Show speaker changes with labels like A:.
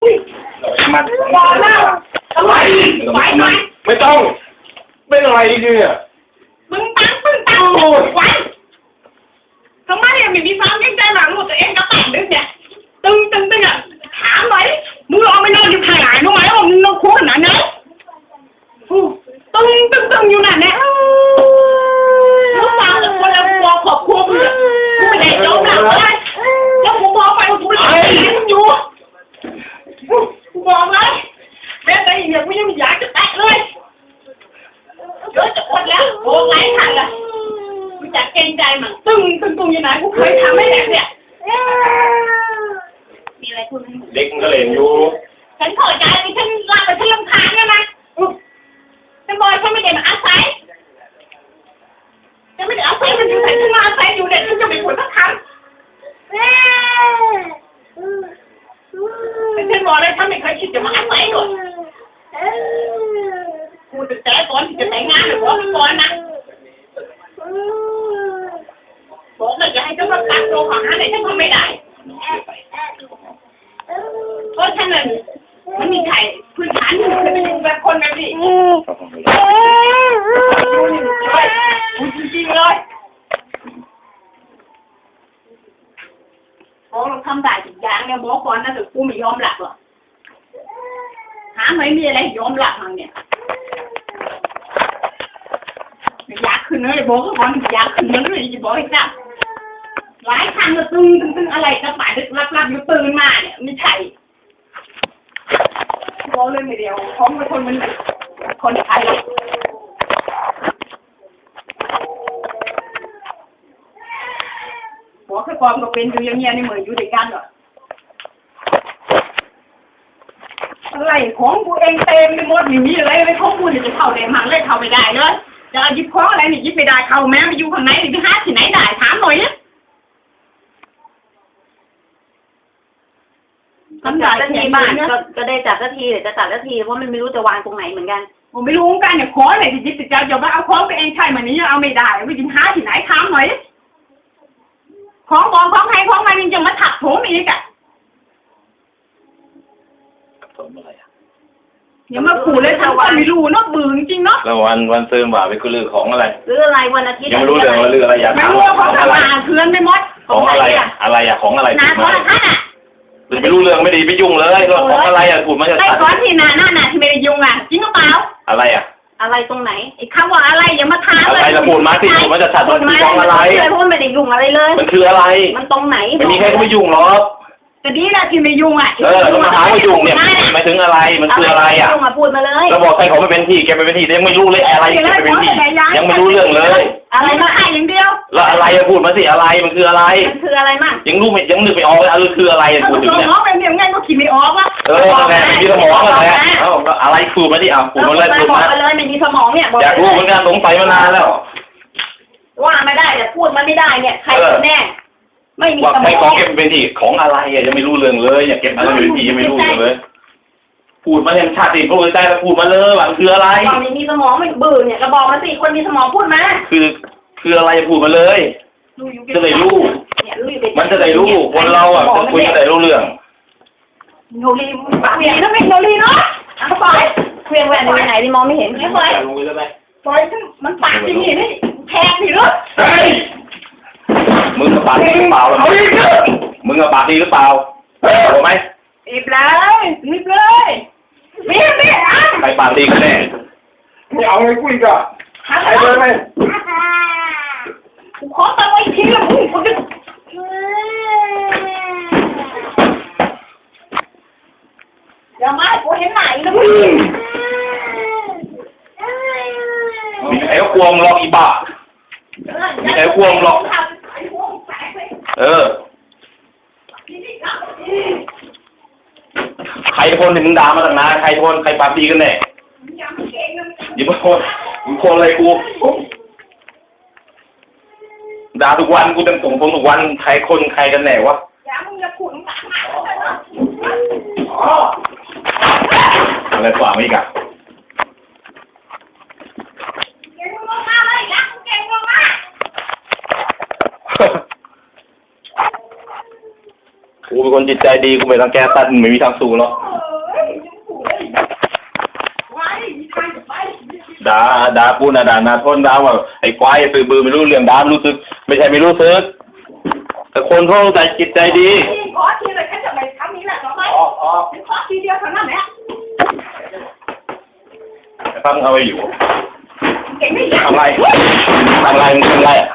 A: มันบอกแล้วทำไมไม่ต้องเป็นอะไรเนี่ย
B: มึงตั้งไว้ทำไมยังไม่มีความยังใจหลังหมดตัวเองก็แต่งดึกเนี่ยตึงอ่ะถามหน่อยมึงลองไปนอนอยู่ข้างไหนรู้ไหมว่ามึงนอนคู่ขนาดไหนตึงอยู่นั่นแหละมึงฟังแต่คนละตัวขอบคุณมึงกูไม่ได้ยอมรับเลยแล้วกูบอกไปว่ากูไม่ได้มึงอยู่กูบอกเลยแม้แต่อย่างกูยังไม่อยากจะแตะเลยเดี๋ยวจะอดแล้วโอ้ไงทันละกูจะเกรงใจมันตึงอยู่ไหนกูเคยทำให้แหลกเนี่ยมีอะไรพูดไหม
A: เด็กมันก็เล่นอยู่
B: ฉันขอใจฉันรักแต่ฉันรำคาญเนี่ยนะฉันบอกฉันไม่ได้มาอาศัยฉันไม่ได้อาศัยมันอยู่ไหนฉันมาอาศัยอยู่เด็กฉันจะไม่ควรสักคำแต่ฉันบอกเลยฉันไม่เคยคิดจะมาอาศัยก่อนกูจะแต่ก่อนที่จะแต่งงานหรือว่าก่อนนะบอกเลยจะให้ฉันมาตัดตัวของหาไหนฉันทำไม่ได้เพราะฉะนั้นมันมีใครพื้นฐานมันเคยเป็นแบบคนแบบนี้จริงเลยบอกเราทำได้ทุกอย่างเนี่ยบอกก่อนนะแต่กูไม่ยอมหลับหรอกหาไม่มีอะไรยอมหลับมั้งเนี่ยอยากขึ้นเลยบอกก่อนอยากขึ้นเลยจะบอกให้จับหลายครั้งก็ตึงอะไรก็หมายถึงรับอยู่ตื่นมาเนี่ยไม่ใช่บอกเลยไม่เดียวของเป็นคนมันคนไทยบอกแค่ความก็เป็นอยู่อย่างเงี้ยนี่เหมือนอยู่ด้วยกันหรออะไรของกูเองเต็มไปหมดไม่มีอะไรของกูเนี่ยจะเข้าได้มั่งเลยเข้าไม่ได้เลยจะหยิบของอะไรนี่หยิบไม่ได้เข้าแม้ไปอยู่ข้างในไปหาที่ไหนได้ถามหน่อยนะ
C: จัดสักทีบ้านก็ได้จัดสักทีเดี๋ยวจะจัดสักทีเพราะมันไม่รู้จะวางตรงไหนเหมือนกัน
B: ผมไม่รู้เหมือนกันเนี่ยขออะไรที่ยึดติดใจอย่าว่าเอาของไปเองใช่ไหมนี้เอาไม่ได้ไปกินหาที่ไหนถามหน่อยของบองของใครของมันยังจะมาถักผมอีกอ่ะ
A: ผมอะไรอ่ะ
B: อย่ามาขู่เลยทำวันไม่รู้เนาะบืนจริงเนาะ
A: แล้ววันซื้อบ่าไปคือเรื่องของอะไร
C: ซื้ออะไรวันอาทิตย์
A: ยังไม่รู้เรื่องว่าเรื่องอะไรอยาก
B: ถามไม่รู้ว่าเขาจะมาเพื่อนไม่หมด
A: ของอะไรอ่ะอะไรอ่ะของอะไร
B: นาของท่านอ่ะ
A: ไม่รู้เรื่องไม่ดีไม่ยุ่งเลยของอะไรอ่ะพูดมาจะ
B: ไอ้ก้อนที่นาที่ไม่ได้ยุ่งอ่ะจริงหรือเปล่า
A: อะไรอ่ะ
C: อะไรตรงไหน
B: ไอ้คำว่าอะไรอย่ามาถาม
A: เลยอะไรจะพูดมาสิพูดมาจะชัดมันคือของอะไร
C: เพราะมันไม่ได้ยุ่งอะไรเลย
A: มันคืออะไร
C: มันตรงไหน
A: ไม่มีใครก็ไม่ยุ่งหรอก
B: แต่ดีนะที่ไม่ยุ่งอ่ะ
A: ต้องมาถามว่ายุ่งเนี่ยหมายถึงอะไรมันคืออะไรอ่ะ
C: พูดมาเลย
A: เราบอกใครเขาไม่เป็นที่แกไม่เป็นที่ยังไม่รู้เลยอะไรแกไม่เป็นที่ยังไม่รู้เรื่องเลย
B: อะไรมาให้อย่างเดียว
A: แล้วอะไรอะพูดมาสิอะไรมันคืออะไร
C: มันคืออะไรมั่ง
A: ยังรู้ไม่ยังนึกไม่ออกเลยอะไรคืออะไรพูดถึงเนี่ย
B: สมองเป็นอย่างไงก็คิดไม่ออกวะ
A: แม่มีสมองอะไรอะไรพูดมาสิพูดมาเลยพูดมา
C: เลยไม่มีสมองเนี่ย
A: อยากรู้เหมือนกันสงสัยมานานแล้ว
C: ว่าไม่ได้แต่พูดมาไม่ได้เนี่ยใครแน่ไม่มีสมอง
A: ใครของเก็บเป็นที่ของอะไรอะยังไม่รู้เรื่องเลยอยากเก็บอะไรเป็นที่ยังไม่รู้เลยพูดมาเห็นชาติพูดใจแล้วพูดมาเลยว่าคืออะไร
C: บอกไม่มีสมองไม่บื่นเนี่ยก็บอกมาสิคนมีสมองพูดมา
A: คืออะไรพูดมาเลยจะได้รู้มันจะได้รู้คนเราอ่ะจะคุยจะได้รู้เรื่อง
B: โนรีปากเวียนแล้วไม่โนรีเนาะปล่อย
C: เวียนแหวนอยู่ไหนที่มองไม่เห็น
B: ไม่ปล่อยปล่อยมันปากจริงนี่แทงสิลูก
A: มึงกับปากดีหรือเปล่ามึงกับปากดีหรือเปล่ารู้ไหม
B: รีบเลยรีบเลยมี
A: ใครปากดีกันแน่
D: ไม่เอาเลยคุยกันใครเลยไหม
B: ขอตังค์ไว้ทีละมึงคนนึงอย่ามากูเห็นไหนนะมึง
A: มีไอ้ควงหลอกอีบ้ามีไอ้ควงหลอกใครคนที่มึงด่ามาตั้งนานใครคนใครปากดีกันแน่อย่ามาคนมึงคนอะไรกูด่าทุกวันกูจะส่งผมทุกวันใครคนใครกันแน่วะ
B: อย่ามึงจะขุดมึงหนักมาก
A: อะไรกว่าไม่กัน
B: เก่งมากเลยนะเก่งมาก
A: กูเป็นคนจิตใจดีกูไม่รังแกสัตว์ไม่มีทางสู้หรอกด่าปูน่ะด่านาทนด่าว่าไอ้ควายสื่อบือไม่รู้เรื่องด่ารู้สึกไม่ใช่ไม่รู้สึกแต่คนเขาใจจิตใจดี
C: ขอทีเลยแค่จะไปทำนี้แหละน้องไหมขอทีเดียวเท่านั้นแหละ
A: ฟังเอาไว้อยู่
C: เก่งไม่ยาก
A: ทำไรทำไรมึงทำไรอ่ะ